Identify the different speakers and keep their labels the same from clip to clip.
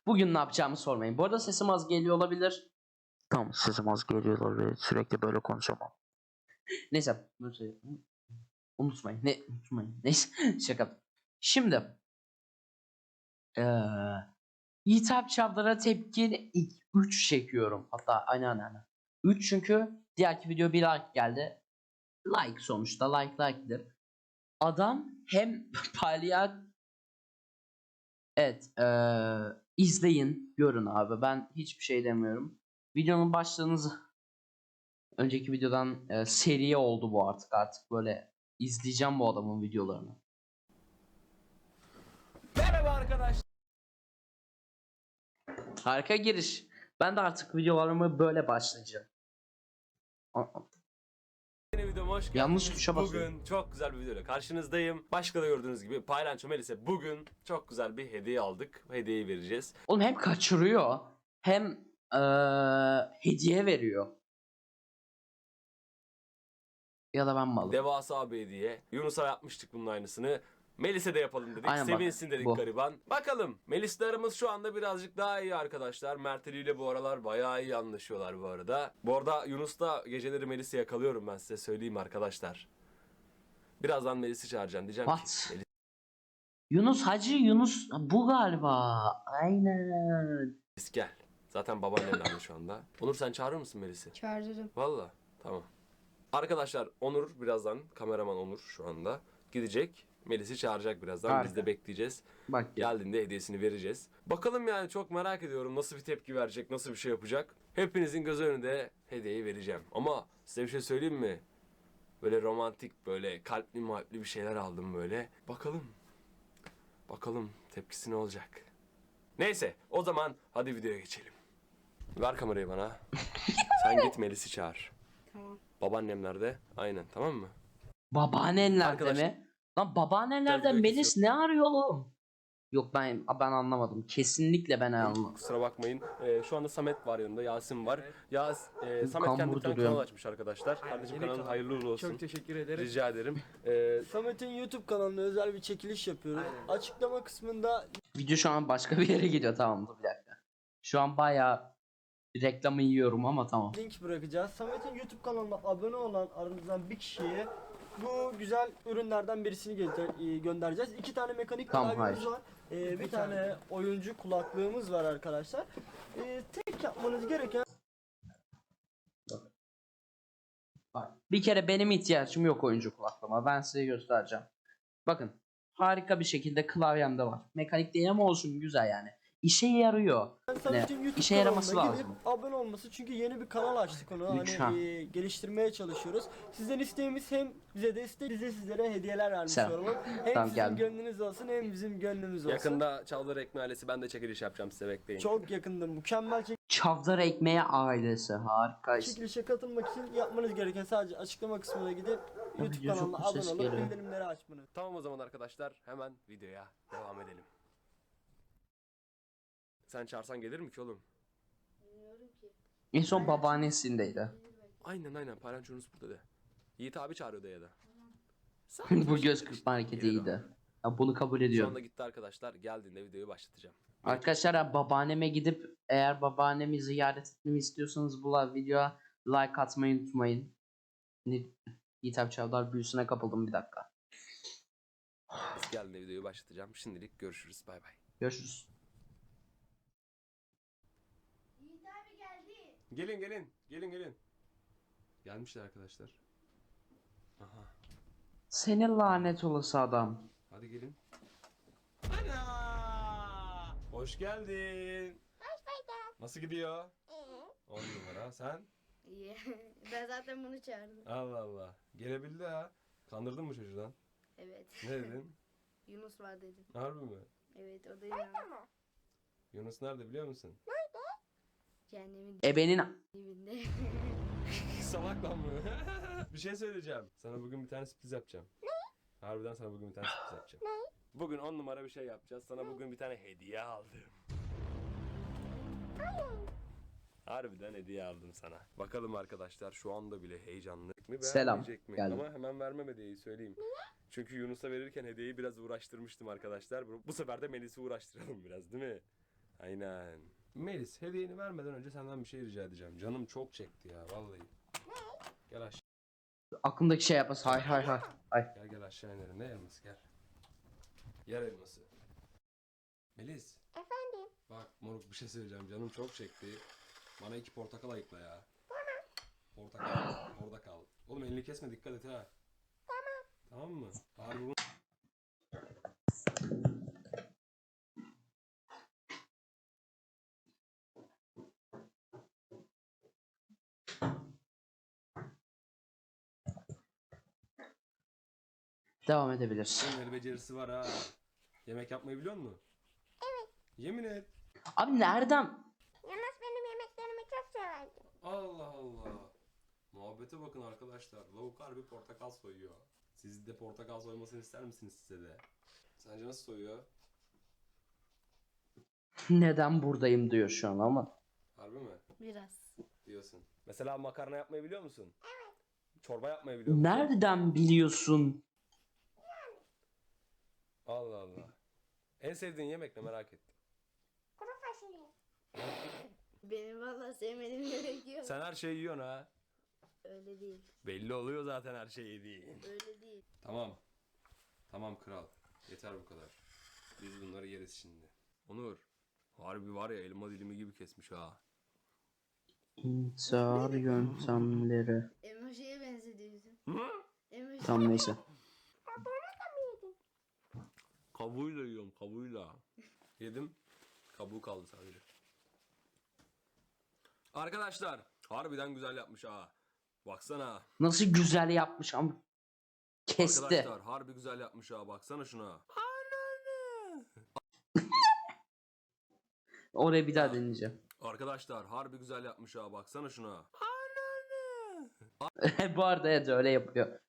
Speaker 1: Bugün ne yapacağımı sormayın. Bu arada sesim az geliyor olabilir.
Speaker 2: Tamam, sesim az geliyor olabilir. Sürekli böyle konuşamam.
Speaker 1: Neyse. Unutmayın. Unutmayın. Neyse. Şaka. Şimdi. Hitap Çavdar'a tepki 3 çekiyorum. Hatta aynen. 3 çünkü diğerki video bir like geldi. Like sonuçta. Like'dir. Adam hem palyaço. Evet. İzleyin. Görün abi. Ben hiçbir şey demiyorum. Videonun başlığınızı önceki videodan seriye oldu bu artık. Artık böyle izleyeceğim bu adamın videolarını.
Speaker 3: Merhaba arkadaşlar.
Speaker 1: Harika giriş. Ben de artık videolarımı böyle başlayacağım.
Speaker 3: Yeni videoma hoş geldiniz.
Speaker 1: Yanlış tuşa basıyorum.
Speaker 3: Bugün çok güzel bir videoyla karşınızdayım. Başka da gördüğünüz gibi Paylanço Melis'e bugün çok güzel bir hediye aldık. Hediyeyi vereceğiz.
Speaker 1: Oğlum hem kaçırıyor hem hediye veriyor. Ya da ben malım.
Speaker 3: Devasa bir hediye. Yunus'a yapmıştık bunun aynısını. Melis'e de yapalım dedik.
Speaker 1: Aynen bak,
Speaker 3: Sevinsin dedik
Speaker 1: bu.
Speaker 3: gariban. Bakalım. Melis'le aramız şu anda birazcık daha iyi arkadaşlar. Mert Ali ile bu aralar bayağı iyi anlaşıyorlar bu arada. Bu arada Yunus'ta geceleri Melis'i yakalıyorum, ben size söyleyeyim arkadaşlar. Birazdan Melis'i çağıracağım. Diyeceğim
Speaker 1: What?
Speaker 3: ki
Speaker 1: Yunus Hacı Yunus bu galiba. Aynen.
Speaker 3: Melis gel. Zaten babaannemlerle şu anda. Onur, sen çağırır mısın Melis'i?
Speaker 4: Çağırırım.
Speaker 3: Valla tamam. Arkadaşlar Onur birazdan, kameraman Onur şu anda gidecek. Melis'i çağıracak birazdan.
Speaker 1: Harika.
Speaker 3: Biz de bekleyeceğiz.
Speaker 1: Bak ya.
Speaker 3: Geldiğinde hediyesini vereceğiz. Bakalım, yani çok merak ediyorum nasıl bir tepki verecek, nasıl bir şey yapacak. Hepinizin göz önünde hediyeyi vereceğim. Ama size bir şey söyleyeyim mi? Böyle romantik, böyle kalpli bir şeyler aldım böyle. Bakalım tepkisi ne olacak. Neyse, o zaman hadi videoya geçelim. Ver kamerayı bana. Sen git Melis'i çağır.
Speaker 4: Tamam.
Speaker 3: Babaannem nerede? Aynen, tamam mı?
Speaker 1: Babaannenlerde
Speaker 3: Arkadaşlar-
Speaker 1: mi? Lan babaannenlerde
Speaker 3: Tabii,
Speaker 1: Melis ne arıyor oğlum? Yok ben anlamadım. Kesinlikle ben anlamadım.
Speaker 3: Kusura bakmayın. Şu anda Samet var yanında, Yasin var. Samet
Speaker 1: Kambur
Speaker 3: kendi bir tane
Speaker 1: duruyor.
Speaker 3: kanal açmış arkadaşlar. Kardeşim,
Speaker 5: yeni
Speaker 3: kanalın
Speaker 5: kanal.
Speaker 3: hayırlı uğurlu olsun.
Speaker 5: Çok teşekkür ederim.
Speaker 3: Rica ederim.
Speaker 5: Samet'in YouTube kanalına özel bir çekiliş yapıyoruz.
Speaker 3: Aynen.
Speaker 5: Açıklama kısmında
Speaker 1: Video şu an başka bir yere gidiyor, tamam dur bir dakika. Şu an bayağı reklamı yiyorum ama tamam.
Speaker 5: link bırakacağız. Samet'in YouTube kanalına abone olan aranızdan bir kişiye bu güzel ürünlerden birisini göndereceğiz. 2 tane mekanik
Speaker 1: Tamam,
Speaker 5: klavyemiz
Speaker 1: hayır.
Speaker 5: var. Bir tane oyuncu kulaklığımız var arkadaşlar. Tek yapmanız gereken
Speaker 1: Bak, bir kere benim ihtiyacım yok oyuncu kulaklığıma. Ben size göstereceğim. Bakın harika bir şekilde klavyemde var. Mekanik değil ama olsun, güzel yani. İşe yarıyor.
Speaker 5: Samet'in YouTube
Speaker 1: işe yaraması
Speaker 5: kanalına
Speaker 1: lazım.
Speaker 5: gidip abone olması, çünkü yeni bir kanal açtık onu.
Speaker 1: Lütfen.
Speaker 5: Hani geliştirmeye çalışıyoruz. Sizden isteğimiz hem bize destek, bize sizlere hediyeler vermiş
Speaker 1: Selam.
Speaker 5: olalım. Hem
Speaker 1: Tamam,
Speaker 5: sizin
Speaker 1: geldim.
Speaker 5: gönlünüz olsun hem bizim gönlümüz olsun.
Speaker 3: Yakında Çavdar Ekmeği ailesi, ben de çekiliş yapacağım, size bekleyin.
Speaker 5: Çok yakında mükemmel
Speaker 1: Çavdar Ekmeği ailesi harika.
Speaker 5: çekilişe katılmak için yapmanız gereken sadece açıklama kısmına gidip YouTube
Speaker 1: video çok
Speaker 5: kanalına abone
Speaker 1: ses
Speaker 5: olup
Speaker 1: geliyor.
Speaker 5: bildirimleri açmanız.
Speaker 3: Tamam, o zaman arkadaşlar hemen videoya devam edelim. Sen çağırsan gelir mi ki oğlum?
Speaker 1: En son babaannesindeydi.
Speaker 3: Aynen, Paylanço Yunus burada de. Yiğit abi çağırıyordu ya da.
Speaker 1: Bu göz kırpma hareketi
Speaker 3: Gelir o.
Speaker 1: iyiydi. Ya bunu kabul
Speaker 3: Şu
Speaker 1: ediyorum.
Speaker 3: anda gitti arkadaşlar. Geldiğinde videoyu başlatacağım.
Speaker 1: Arkadaşlar babaanneme gidip eğer babaannemi ziyaret etmemi istiyorsanız bu videoya like atmayı unutmayın. Yiğitap Çavdar büyüsüne kapıldım, bir dakika.
Speaker 3: Geldiğinde videoyu başlatacağım. Şimdilik görüşürüz. Bay bay.
Speaker 1: Görüşürüz.
Speaker 3: Gelin. Gelmişler arkadaşlar. Aha.
Speaker 1: Senin lanet olası adam.
Speaker 3: Hadi gelin. Ana! Hoş geldin.
Speaker 4: Hoş bulduk.
Speaker 3: Nasıl gidiyor? 10 numara. Sen?
Speaker 4: İyi. Ben zaten bunu çağırdım.
Speaker 3: Allah Allah. Gelebildi ha. Kandırdın mı çocuğdan?
Speaker 4: Evet.
Speaker 3: Ne dedin?
Speaker 4: Yunus var dedim.
Speaker 3: Harbi mi?
Speaker 4: Evet, o da inandı.
Speaker 3: Yunus nerede biliyor musun?
Speaker 4: Cehennemin
Speaker 1: Ebenin
Speaker 4: dibinde.
Speaker 3: Salak lan bu. Bir şey söyleyeceğim. Sana bugün bir tane sürpriz yapacağım. Ne? Harbiden sana bugün bir tane sürpriz yapacağım. Ne? Bugün 10 numara bir şey yapacağız. Sana bugün bir tane hediye aldım. Harbiden hediye aldım sana. Bakalım arkadaşlar, şu anda bile heyecanlı mi,
Speaker 1: Selam,
Speaker 3: beğenmeyecek mi?
Speaker 1: geldim.
Speaker 3: Ama hemen vermem hediyeyi, söyleyeyim. Çünkü Yunus'a verirken hediyeyi biraz uğraştırmıştım arkadaşlar. Bu sefer de Melis'i uğraştıralım biraz, değil mi? Aynen. Melis, hediyeni vermeden önce senden bir şey rica edeceğim. Canım çok çekti ya vallahi. Gel aşağı.
Speaker 1: Aklımdaki şey yapmaz. Hay hay hay. Hay.
Speaker 3: Gel aşağı inelim. Ne elması gel. Yer elması. Melis.
Speaker 4: Efendim?
Speaker 3: Bak moruk bir şey söyleyeceğim. Canım çok çekti. Bana 2 portakal ayıkla ya. Portakal. Orada kal. Oğlum elini kesme dikkat et ha. Tamam mı? Harbi bunu...
Speaker 1: Devam edebilirsin.
Speaker 3: Bunun el becerisi var ha. Yemek yapmayı biliyor musun? Evet. Yemin et.
Speaker 1: Abi nereden?
Speaker 4: Yunus benim yemeklerimi çok severdi.
Speaker 3: Allah Allah. Muhabbete bakın arkadaşlar. Lavuk harbi portakal soyuyor. Siz de portakal soymasını ister misiniz size de? Sence nasıl soyuyor?
Speaker 1: Neden buradayım diyor şu an ama.
Speaker 3: Harbi mi?
Speaker 4: Biraz.
Speaker 3: Diyorsun. Mesela makarna yapmayı biliyor musun? Evet. Çorba yapmayı biliyor musun?
Speaker 1: Nereden biliyorsun?
Speaker 3: Allah Allah. En sevdiğin yemek ne merak ettim.
Speaker 4: Kuru fasulye. Benim valla sevmediğim yemek yok.
Speaker 3: Sen her şeyi yiyorsun ha.
Speaker 4: Öyle değil.
Speaker 3: Belli oluyor zaten her şeyi yediğin.
Speaker 4: Öyle değil.
Speaker 3: Tamam. Tamam kral. Yeter bu kadar. Biz bunları yeriz şimdi. Onur. Harbi var ya elma dilimi gibi kesmiş ha.
Speaker 1: İntihar yöntemleri.
Speaker 4: Emoji'ye benzediyorsun.
Speaker 3: Hı?
Speaker 4: Emoji.
Speaker 1: Tam neyse.
Speaker 3: Kabuğuyla yiyorum kabuğuyla. Yedim. Kabuğu kaldı sadece. Arkadaşlar harbiden güzel yapmış ha. Baksana.
Speaker 1: Nasıl güzel yapmış ama. Kesti.
Speaker 3: Arkadaşlar harbi güzel yapmış ha. Baksana şuna.
Speaker 1: Oraya bir daha deneyeceğim.
Speaker 3: Arkadaşlar harbi güzel yapmış ha. Baksana şuna.
Speaker 1: Bu arada evet öyle yapıyor.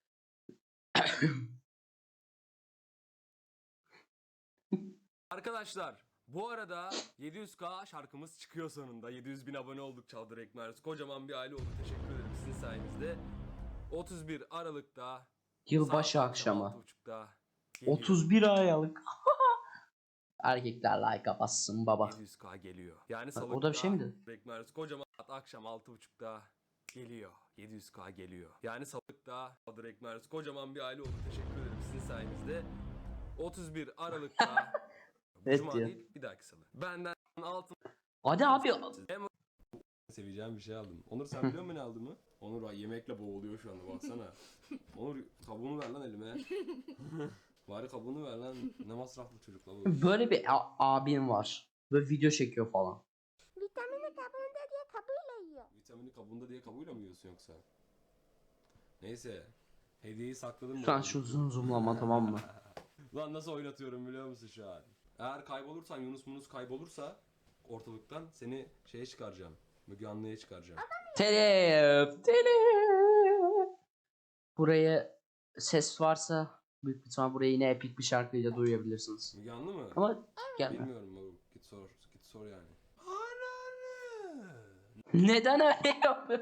Speaker 3: Arkadaşlar bu arada 700k şarkımız çıkıyor sonunda. 700.000 abone olduk Çavdar Ekmers. Kocaman bir aile olduk. Teşekkür ederim sizin sayenizde. 31 Aralık'ta
Speaker 1: Yılbaşı
Speaker 3: saat
Speaker 1: akşamı.
Speaker 3: 6.30'da geliyor.
Speaker 1: 31 Aralık. Erkekler like bassın baba.
Speaker 3: 700k geliyor. Yani
Speaker 1: Bak,
Speaker 3: salıkta
Speaker 1: o da bir şey mi dedi?
Speaker 3: Ekmers kocaman akşam 6.30'da geliyor. 700k geliyor. Yani salıkta Çavdar Ekmers kocaman bir aile olduk. Teşekkür ederim sizin sayenizde. 31 Aralık'ta bu
Speaker 1: Evet
Speaker 3: cuma
Speaker 1: diyor.
Speaker 3: değil bir dahaki salı. Benden altın
Speaker 1: Hadi abi.
Speaker 3: seveceğim bir şey aldım. Onur sen biliyor musun ne aldığımı? Onur yemekle boğuluyor şu anda baksana. Onur kabuğunu ver lan elime. Bari kabuğunu ver lan. Ne masraflı çocuk la bu.
Speaker 1: Böyle bir abim var. Böyle video çekiyor falan.
Speaker 4: Vitamini kabuğunda diye kabuğuyla yiyor.
Speaker 3: Vitamini kabuğunda diye kabuğuyla mı yiyorsun yoksa? Neyse. Hediyeyi sakladım.
Speaker 1: Şu an şu zoomlama tamam mı?
Speaker 3: Lan nasıl oynatıyorum biliyor musun şu an? Eğer kaybolursan Yunus kaybolursa ortalıktan seni şeye çıkaracağım. Müge Anlı'ya çıkaracağım.
Speaker 1: Telef. Telef. Buraya ses varsa büyük bir ihtimal buraya yine epik bir şarkıyla duyabilirsiniz.
Speaker 3: Müge Anlı mı?
Speaker 1: Ama gelme.
Speaker 3: Bilmiyorum moruk. Git sor. Git sor yani. Ananı.
Speaker 1: Neden öyle yapıyor?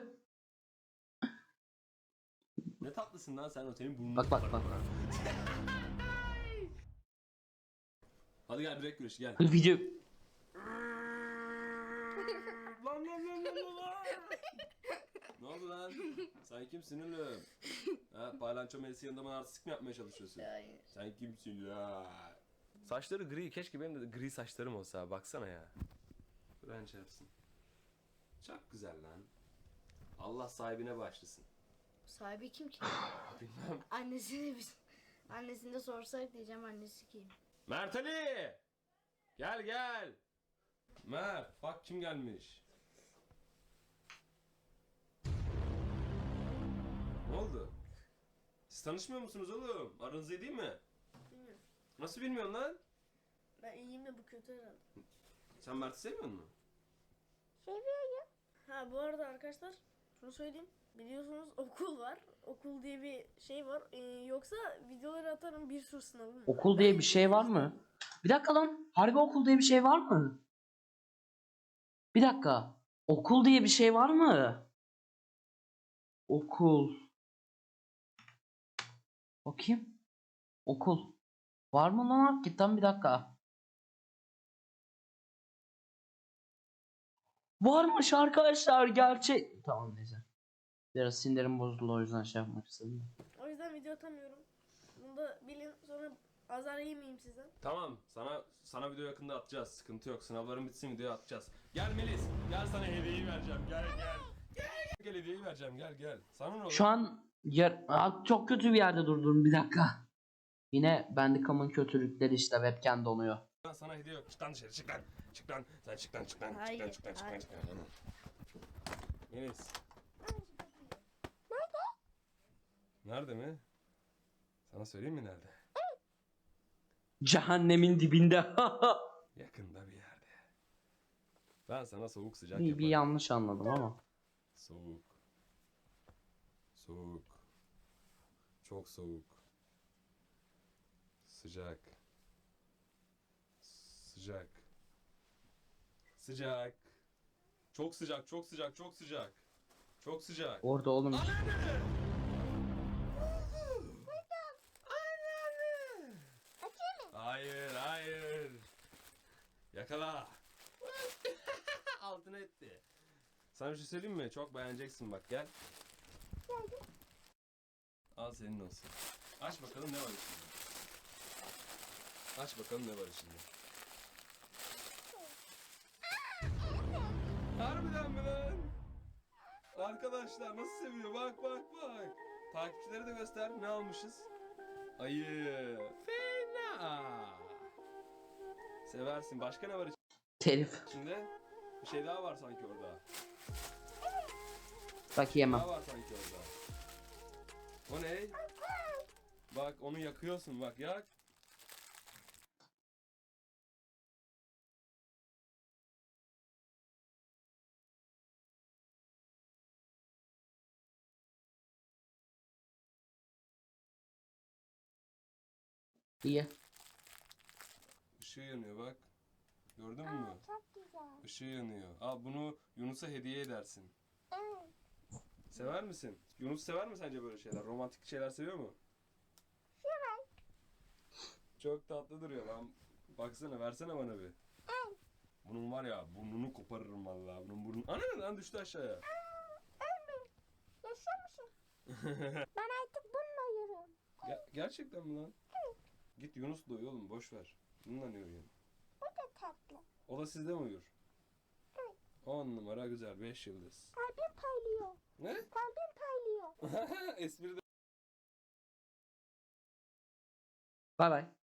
Speaker 3: Ne tatlısın lan sen o senin burnunu
Speaker 1: Bak, bak,
Speaker 3: tutarım
Speaker 1: bak.
Speaker 3: ha. Hadi gel direkt güreş gel.
Speaker 1: Video
Speaker 3: Lan. Ne oldu lan? Sen kimsin oğlum? Ha, Paylanço Melis'i yanında bana artistik mi yapmaya çalışıyorsun?
Speaker 4: Hayır.
Speaker 3: Sen kimsin ya? Saçları gri. Keşke benim de gri saçlarım olsa. Baksana ya. Kur'an çarpsın. Çok güzel lan. Allah sahibine başlasın.
Speaker 4: Sahibi kim ki?
Speaker 3: Bilmem.
Speaker 4: Annesini de sorsak diyeceğim annesi kim?
Speaker 3: Mert Ali! Gel gel. Mert, bak kim gelmiş. Ne oldu? Siz tanışmıyor musunuz oğlum? Aranız iyi değil mi?
Speaker 4: Bilmiyorum.
Speaker 3: Nasıl bilmiyorsun lan?
Speaker 4: Ben iyiyim de bu kötü herhalde.
Speaker 3: Sen Mert'i sevmiyor musun?
Speaker 4: Seviyorum. Ha bu arada arkadaşlar şunu söyleyeyim. Biliyorsunuz okul var. Okul diye bir şey var. Yoksa videoları atarım bir sürü sınavım var.
Speaker 1: okul diye bir şey var mı? Bir dakika lan. Harbi okul diye bir şey var mı? Bir dakika. Okul diye bir şey var mı? Okul. Bakayım. Okul. Var mı lan? Hakikaten bir dakika. Varmış arkadaşlar gerçek. Tamam neyse. Biraz sinirim bozuldu o yüzden şey yapmak istedim.
Speaker 4: O yüzden video atamıyorum. Bunu da bilin, sonra azar yemeyeyim sizden.
Speaker 3: Tamam, sana video yakında atacağız. Sıkıntı yok. Sınavların bitsin, video atacağız. Gel Melis, gel sana hediyeyi vereceğim. Gel. Gel hediyeyi vereceğim. Gel. Sana ne olur?
Speaker 1: Şu an çok kötü bir yerde durdum, bir dakika. Yine Bandicam'ın kötülükleri işte, webcam donuyor.
Speaker 3: Sana hediye yok. Çık lan dışarı, çık lan. Çık lan. Sen çık lan.
Speaker 4: Hayır,
Speaker 3: Çık lan.
Speaker 4: hayır.
Speaker 3: Melis. Nerede mi? Sana söyleyeyim mi nerede?
Speaker 1: Cehennemin dibinde.
Speaker 3: Yakında bir yerde. Ben sana soğuk sıcak
Speaker 1: bir
Speaker 3: yaparım.
Speaker 1: yanlış anladım ama.
Speaker 3: Soğuk. Çok soğuk. Sıcak. Çok sıcak. Çok sıcak.
Speaker 1: Orada oğlum.
Speaker 3: Hayır. Yakala. Altına etti. Sana bir şey söyleyeyim mi? Çok beğeneceksin bak, gel. Al senin olsun. Aç bakalım ne var içinde. Harbiden mi lan? Arkadaşlar nasıl seviyor? Bak. Takipçilere de göster. Ne almışız? Ayı. Fena. Seversin. Başka ne var
Speaker 1: Telif.
Speaker 3: içinde? Bir şey daha var sanki orada.
Speaker 1: Bak yemem.
Speaker 3: Daha var sanki orada. O ne? Bak onu yakıyorsun, bak yak.
Speaker 1: İyi.
Speaker 3: Işığı yanıyor bak. Gördün mü? Çok güzel. Işığı yanıyor. Al bunu Yunus'a hediye edersin. Sever misin? Yunus sever mi sence böyle şeyler? Romantik şeyler seviyor mu? Sever. Çok tatlı duruyor lan. Baksana, versene bana bir. Bunun var ya, burnunu koparırım vallahi. Bunun burnu... Ana lan düştü aşağıya.
Speaker 6: Yaşıyor musun? Ben artık bununla yürüyorum.
Speaker 3: Gerçekten mi lan? Git Yunus'la uyu oğlum, boş ver. Bununla ne uyuyorsun?
Speaker 6: Bu da tatlı.
Speaker 3: O da sizde mi uyur? 10 numara güzel, 5 yıldız.
Speaker 6: Kalbim paylıyor.
Speaker 3: Ne?
Speaker 6: Kalbim paylıyor.
Speaker 3: Espri de...
Speaker 1: Bay bay.